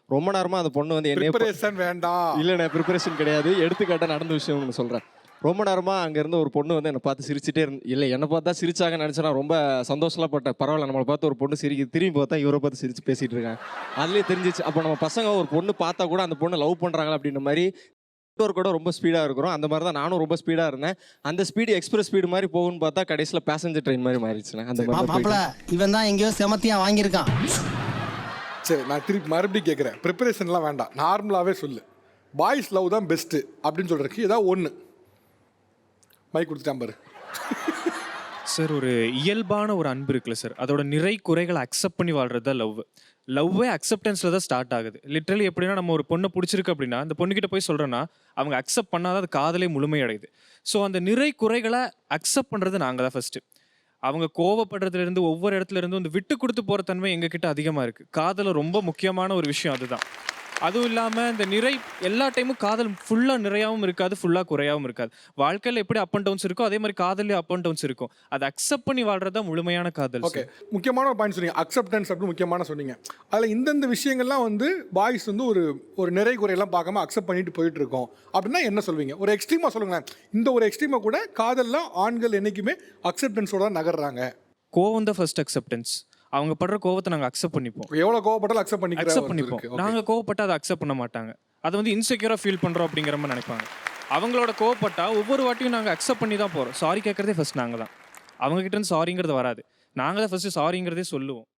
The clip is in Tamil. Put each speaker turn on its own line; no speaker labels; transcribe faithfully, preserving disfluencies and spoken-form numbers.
ரொம்ப நேரமாக அந்த பொண்ணு வந்து என்னைய
ப்ரிப்பரேஷன் வேண்டாம்.
இல்லைண்ணே, ப்ரிப்பரேஷன் கிடையாது. எடுத்துக்காட்டாக நடந்த விஷயம் ஒன்று சொல்கிறேன். ரொம்ப நேரமாக அங்கே இருந்த ஒரு பொண்ணு வந்து என்னை பார்த்து சிரிச்சிட்டே இருந்து, இல்லை என்னை பார்த்தா சிரிச்சாங்கன்னு நினச்சேன். நான் ரொம்ப சந்தோஷம்லாம் பட்டேன். பரவாயில்ல, நம்மளை பார்த்து ஒரு பொண்ணு சிரிக்க, திரும்பி பார்த்தா இவரை பார்த்து சிரிச்சு பேசிகிட்டு இருக்காங்க. அதுலேயே தெரிஞ்சிச்சு, அப்போ நம்ம பசங்க ஒரு பொண்ணு பார்த்தா கூட அந்த பொண்ணை லவ் பண்ணுறாங்களா அப்படின்ற மாதிரி கூட ரொம்ப ஸ்பீடாக இருக்கிறோம். அந்த மாதிரி தான் நானும் ரொம்ப ஸ்பீடாக இருந்தேன். அந்த ஸ்பீடு எக்ஸ்பிரஸ் ஸ்பீடு மாதிரி போகும்னு பார்த்தா கடைசியில் பேசஞ்சர் ட்ரெயின் மாதிரி மாறிடுச்சுண்ணே. அந்த
மாப்பிள்ள இவன் தான் எங்கேயோ செமத்தியாக வாங்கியிருக்கான்.
சரி, நான் திருப்பி மறுபடியும் கேட்குறேன். ப்ரிப்பரேஷன்லாம் வேண்டாம், நார்மலாகவே சொல்லு. பாய்ஸ் லவ் தான் பெஸ்ட்டு அப்படின்னு சொல்கிறதுக்கு ஏதாவது ஒன்று மைக் கொடுத்துட்டான் பாரு.
சார், ஒரு இயல்பான ஒரு அன்பு இருக்குல்ல சார், அதோட நிறை குறைகளை அக்செப்ட் பண்ணி வாழ்றது தான் லவ். லவ்வே அக்செப்டன்ஸில் தான் ஸ்டார்ட் ஆகுது. லிட்ரலி எப்படின்னா, நம்ம ஒரு பொண்ணை பிடிச்சிருக்கு அப்படின்னா அந்த பொண்ணுக்கிட்ட போய் சொல்கிறோன்னா அவங்க அக்செப்ட் பண்ணாதான் அது காதலே முழுமையடையுது. ஸோ அந்த நிறை குறைகளை அக்செப்ட் பண்ணுறது நாங்கள் தான் ஃபஸ்ட்டு. அவங்க கோவப்படுறதுலேருந்து ஒவ்வொரு இடத்துல இருந்து வந்து விட்டு கொடுத்து போகிற தன்மை எங்ககிட்ட அதிகமாக இருக்குது. காதலில் ரொம்ப முக்கியமான ஒரு விஷயம் அதுதான். அதுவும் இல்லாமல் இந்த நிறை எல்லா டைமும் காதல் ஃபுல்லாக நிறையாவும் இருக்காது, ஃபுல்லாக குறையாகவும் இருக்காது. வாழ்க்கையில் எப்படி அப் அண்ட் டவுன்ஸ் இருக்கோ அதே மாதிரி காதல்லையும் அப் அண்ட் டவுன்ஸ் இருக்கும். அதை அக்செப்ட் பண்ணி வாழ்றது தான் முழுமையான காதல்.
ஓகே, முக்கியமான ஒரு பாயிண்ட் சொன்னீங்க, அக்செப்டன்ஸ் அப்படின்னு முக்கியமான சொன்னீங்க. அதில் இந்தந்த விஷயங்கள்லாம் வந்து பாய்ஸ் வந்து ஒரு ஒரு நிறை குறையெல்லாம் பார்க்காம அக்செப்ட் பண்ணிட்டு போயிட்டு இருக்கோம் அப்படின்னா என்ன சொல்வீங்க? ஒரு எக்ஸ்ட்ரீமாக சொல்லுங்களேன். இந்த ஒரு எக்ஸ்ட்ரீமாக கூட காதல்லாம் ஆண்கள் என்றைக்குமே அக்செப்டன்ஸோட தான் நகர்றாங்க.
கோவம் தான் ஃபர்ஸ்ட் அக்செப்டன்ஸ். அவங்க படுற கோவத்தை நாங்கள் அக்செப்ட் பண்ணிப்போம்.
எவ்வளோ கோவப்பட்டாலும் அக்செப்ட் பண்ணி
அக்செப்ட் பண்ணிப்போம். நாங்கள் கோவப்பட்டால் அதை அக்செப்ட் பண்ண மாட்டாங்க. அதை வந்து இன்செக்யூராக ஃபீல் பண்ணுறோம் அப்படிங்கிற மாதிரி நினைப்பாங்க. அவங்களோட கோவப்பட்டால் ஒவ்வொரு வாட்டியும் நாங்கள் அக்செப்ட் பண்ணி தான் போகிறோம். சாரி கேட்குறதே ஃபர்ஸ்ட் நாங்கள் தான். அவங்ககிட்ட இருந்து சாரிங்கிறது வராது. நாங்கள் தான் ஃபர்ஸ்ட் சாரிங்கிறதே சொல்லுவோம்.